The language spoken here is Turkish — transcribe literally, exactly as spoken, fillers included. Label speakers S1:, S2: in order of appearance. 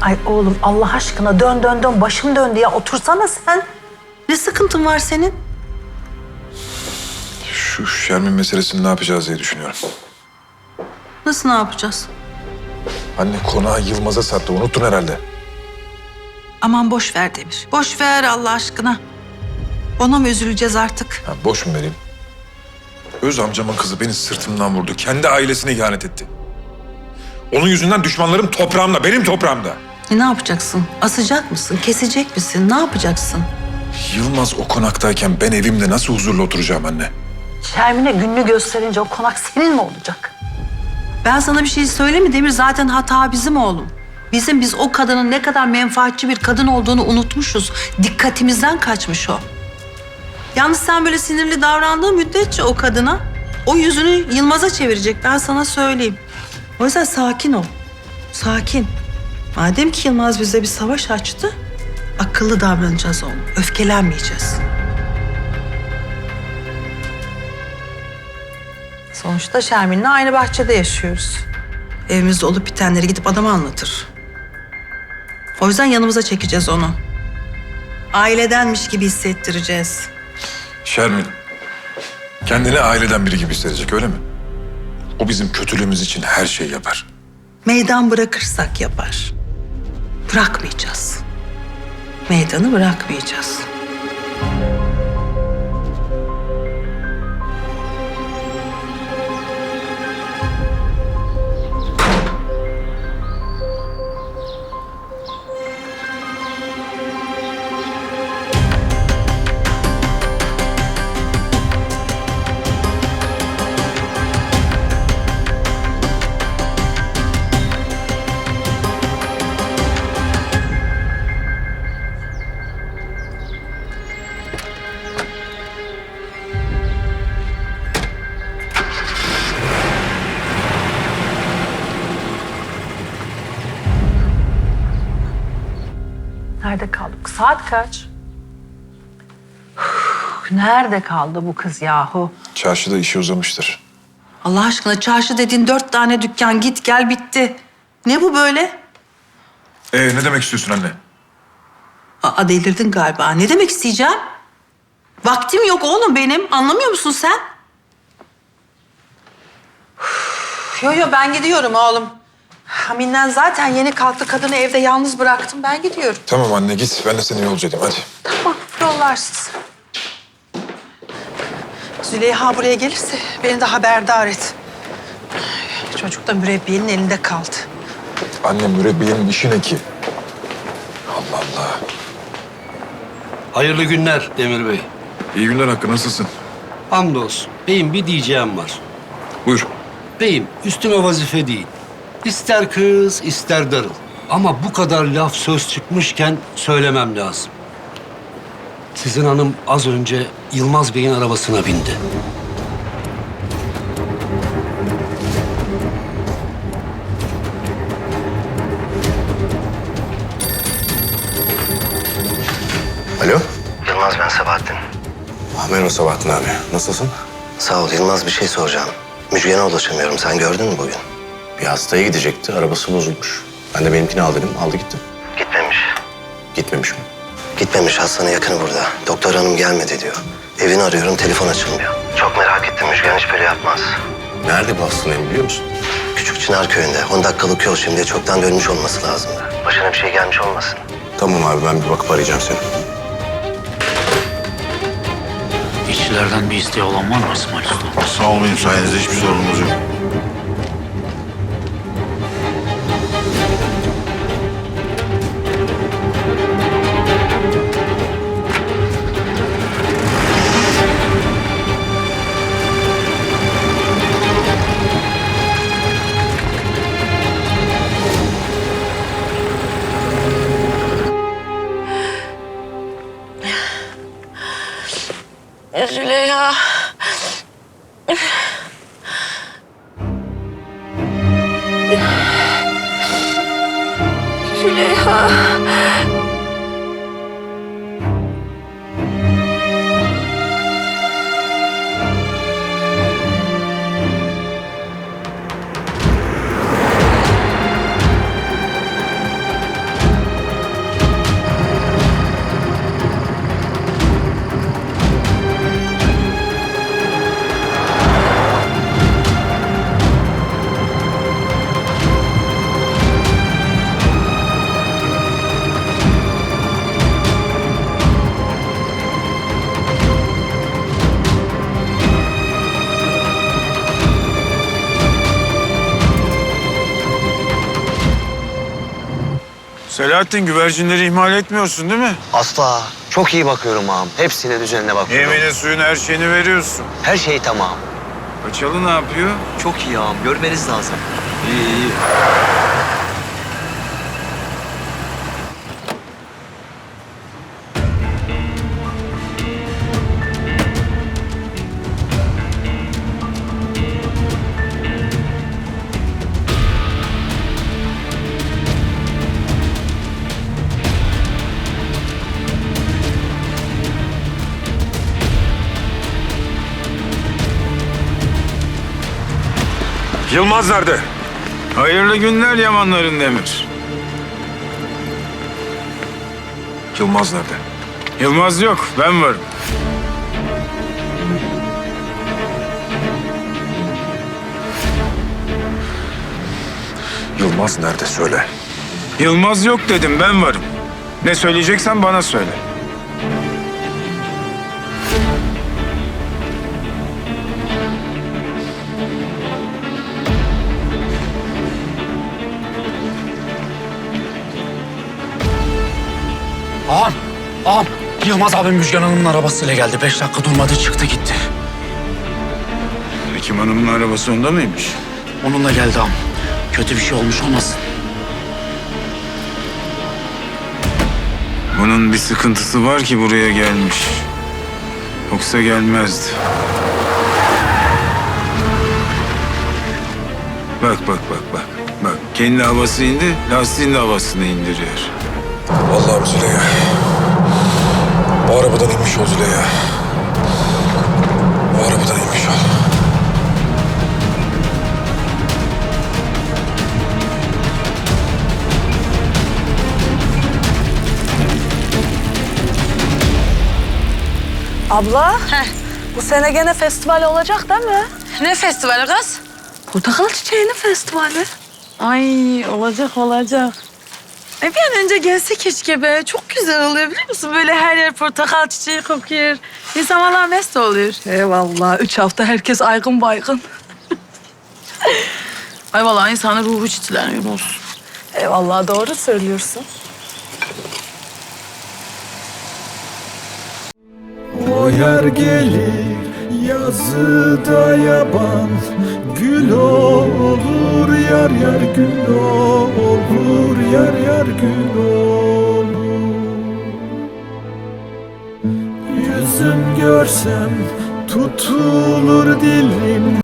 S1: Ay oğlum Allah aşkına dön dön dön başım döndü ya otursana sen. Ne sıkıntın var senin?
S2: Şu Şermin meselesini ne yapacağız diye düşünüyorum.
S1: Nasıl ne yapacağız?
S2: Anne konağı Yılmaz'a sattı. Unuttun herhalde.
S1: Aman boş ver Demir. Boş ver Allah aşkına. Ona mı üzüleceğiz artık?
S2: Ha, boş mu vereyim? Öz amcamın kızı beni sırtımdan vurdu. Kendi ailesine ihanet etti. Onun yüzünden düşmanlarım toprağımda, benim toprağımda.
S1: E, ne yapacaksın? Asacak mısın? Kesecek misin? Ne yapacaksın?
S2: Yılmaz o konaktayken ben evimde nasıl huzurlu oturacağım anne?
S1: Şermin'e gününü gösterince o konak senin mi olacak? Ben sana bir şey söyleyeyim mi Demir? Zaten hata bizim oğlum. Bizim biz o kadının ne kadar menfaatçi bir kadın olduğunu unutmuşuz. Dikkatimizden kaçmış o. Yalnız sen böyle sinirli davrandığın müddetçe o kadına o yüzünü Yılmaz'a çevirecek. Ben sana söyleyeyim. O yüzden sakin ol. Sakin. Madem ki Yılmaz bize bir savaş açtı, akıllı davranacağız oğlum. Öfkelenmeyeceğiz. Sonuçta Şermin'le aynı bahçede yaşıyoruz. Evimizde olup bitenleri gidip adama anlatır. O yüzden yanımıza çekeceğiz onu. Ailedenmiş gibi hissettireceğiz.
S2: Şermin, kendini aileden biri gibi hissedecek öyle mi? O bizim kötülüğümüz için her şeyi yapar.
S1: Meydan bırakırsak yapar. Bırakmayacağız. Meydanı bırakmayacağız. Nerede kaldık? Saat kaç? Üf, nerede kaldı bu kız yahu?
S2: Çarşıda işi uzamıştır.
S1: Allah aşkına çarşı dediğin dört tane dükkan git gel bitti. Ne bu böyle?
S2: Ee ne demek istiyorsun anne?
S1: Aa delirdin galiba. Ne demek isteyeceğim? Vaktim yok oğlum benim. Anlamıyor musun sen? Üf, yo yo ben gidiyorum oğlum. Haminden zaten yeni kalktı. Kadını evde yalnız bıraktım. Ben gidiyorum.
S2: Tamam anne git. Ben de seni yolcu edeyim hadi.
S1: Tamam yollarsın. Züleyha buraya gelirse beni de haberdar et. Çocuk da mürebbiyenin elinde kaldı.
S2: Anne mürebbiyenin işi ne ki? Allah Allah.
S3: Hayırlı günler Demir Bey.
S2: İyi günler Hakkı nasılsın?
S3: Hamdolsun. Beyim bir diyeceğim var.
S2: Buyur.
S3: Beyim üstüme vazife değil. İster kız ister darıl. Ama bu kadar laf söz çıkmışken söylemem lazım. Sizin hanım az önce Yılmaz Bey'in arabasına bindi.
S4: Alo?
S5: Yılmaz ben Sabahattin.
S4: Ah, merhaba Sabahattin abi. Nasılsın?
S5: Sağ ol Yılmaz bir şey soracağım. Müjgan'a ulaşamıyorum. Sen gördün mü bugün?
S4: Bir hastaya gidecekti. Arabası bozulmuş. Ben de benimkini al dedim. Aldı gitti.
S5: Gitmemiş.
S4: Gitmemiş mi?
S5: Gitmemiş. Hastanın yakını burada. Doktor hanım gelmedi diyor. Evini arıyorum. Telefon açılmıyor. Çok merak ettim. Müjgan hiç böyle yapmaz.
S4: Nerede bu hastanın evi biliyor musun?
S5: Küçük Çınar köyünde. on dakikalık yol şimdi. Çoktan dönmüş olması lazımdı. Başına bir şey gelmiş olmasın.
S4: Tamam abi ben bir bakıp arayacağım seni.
S6: İşçilerden bir isteği olan var mı İsmail Usta?
S7: Sağ olun sayenizde hiçbir sorunumuz yok.
S8: Züleyha. Züleyha. Selahattin, güvercinleri ihmal etmiyorsun değil mi?
S5: Asla. Çok iyi bakıyorum ağam. Hepsine düzenine bakıyorum.
S8: Yemine suyun her şeyini veriyorsun.
S5: Her şey tamam.
S8: Paçalı ne yapıyor?
S5: Çok iyi ağam. Görmeniz lazım.
S8: İyi iyi.
S2: Yılmaz nerede?
S8: Hayırlı günler Yamanların Demir.
S2: Yılmaz nerede?
S8: Yılmaz yok, ben varım.
S2: Yılmaz nerede söyle.
S8: Yılmaz yok dedim, ben varım. Ne söyleyeceksen bana söyle.
S6: Ağam, ağam. Yılmaz abim Müjgan Hanım'ın arabasıyla geldi. Beş dakika durmadı, çıktı gitti.
S8: Hekim Hanım'ın arabası onda mıymış?
S6: Onunla geldi ağam. Kötü bir şey olmuş olmasın.
S8: Bunun bir sıkıntısı var ki buraya gelmiş. Yoksa gelmezdi. Bak bak bak bak. Bak kendi havası indi, lastiğin de havasını indiriyor.
S2: Allah'ım Züleyha. Bu arabadan inmiş ol Züleyha. Bu arabadan inmiş ol.
S9: Abla, bu sene gene festival olacak değil mi?
S10: Ne festivali kız?
S9: Portakal çiçeğinin festivali.
S10: Ay olacak olacak. E bir an önce gelse keşke be. Çok güzel oluyor biliyor musun? Böyle her yer portakal çiçeği kokuyor. İnsan valla mest oluyor.
S9: Eyvallah, üç hafta herkes aygın baygın.
S10: Ay vallahi insanın ruhu çitleniyor olsun.
S9: Eyvallah, doğru söylüyorsun.
S11: O yer gelir yazıda yaban, gül olur yar yar gül olur yar yar gül olur. Yüzüm görsem tutulur dilim.